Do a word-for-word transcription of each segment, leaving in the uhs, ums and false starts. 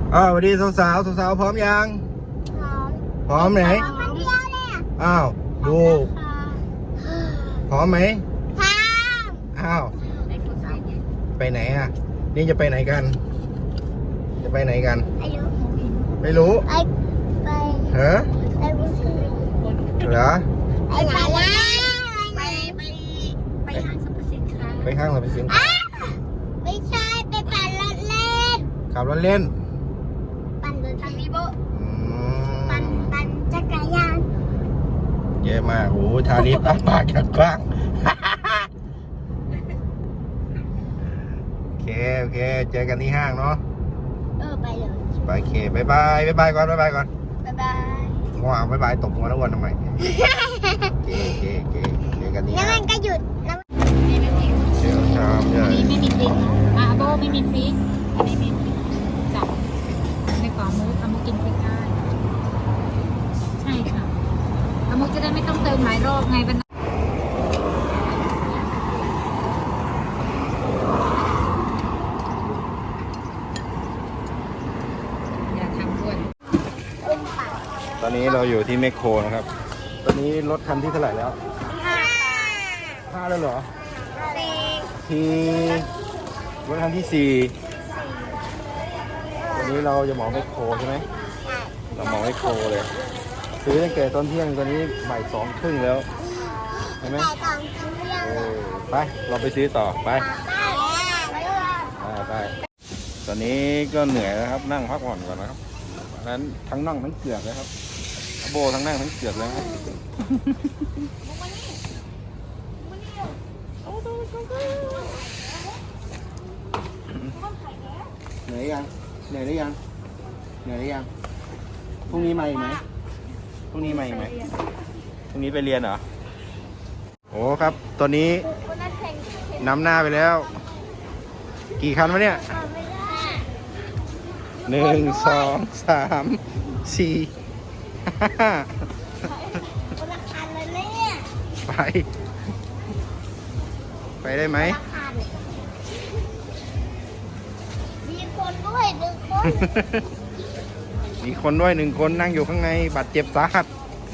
อ้าวสวัสดีสาวสาวสาวๆพร้อมยังพร้อมไหนอ้าวดูพร้อมไหมอ้าวไปไหนอ่ะนี่จะไปไหนกันจะไปไหนกันไม่รู้ไปฮะเหรอไปไหนไปไปไปห้างสรรพสินค้าไปห้างสรรพสินค้าไม่ใช่ไปปั่นรถเล่นขับรถเล่นปั่นรถทางนี้โบปั่นปั่นจักรยานเยอะมากโอ้ทาริปอ้าปากกว้างโอเคโอเคเจอกันที่ห้างเนาะเออไปเลยไปเคบายบายบายบายก่อนบายบายก่อนบายบายง่วงบายบายตบหัวแล้ววันทำไมเก๋เก๋เก๋เจอกันที่แล้วห้างมันก็หยุดแล้วเดี๋ยวชามใหญ่นี่ไม่มีพริกอ่ะโบไม่มีพริกอันนี้ไม่มีจับในกล่องมุกเอามุกกินพริกได้ใช่ค่ะเอามุกจะได้ไม่ต้องเติมหลายรอบไงวันอย่าทำด้วยตอนนี้เราอยู่ที่แมคโครนะครับตอนนี้รถคันที่เท่าไหร่แล้วห้าห้าแล้วเหรอสี่ที่รถคันที่สี่วันนี้เราจะเหมาแมคโครใช่ไหมเราเหมาแมคโครเลยซื้อตั้งแต่ตอนเที่ยงตอนนี้บ่ายสองครึ่งแล้วเห็นไหมเออไปเราไปซื้อต่อไปไปตอนนี้ก็เหนื่อยแล้วครับนั่งพักผ่อนก่อนนะครับนั้นทั้งนั่งทั้งเกือกเลยครับโบทั้งนั่งทั้งเกือกเลยครับเหนื่อยยังเหนื่อยหรือยังเหนื่อยหรือยังพรุ่งนี้มาอีกไหมพรุ่งนี้มาอีกไหมพรุ่งนี้ไปเรียนเหรอโอ้ครับตอนนี้นำหน้าไปแล้วกี่คันวะเนี่ยหนึ่งสองสามสี่ห้าคนละคันเลยเนี่ยไปไปได้ไหมมีคนด้วยหนึ่งคนมีคนด้วยหนึ่งคนนั่งอยู่ข้างในบาดเจ็บสาหัส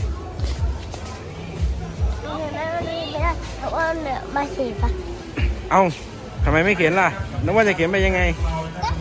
เพราะว่าเนี่ยมาเสียปะเอ้าทำไมไม่เขียนล่ะนึกว่าจะเขียนไปยังไงก็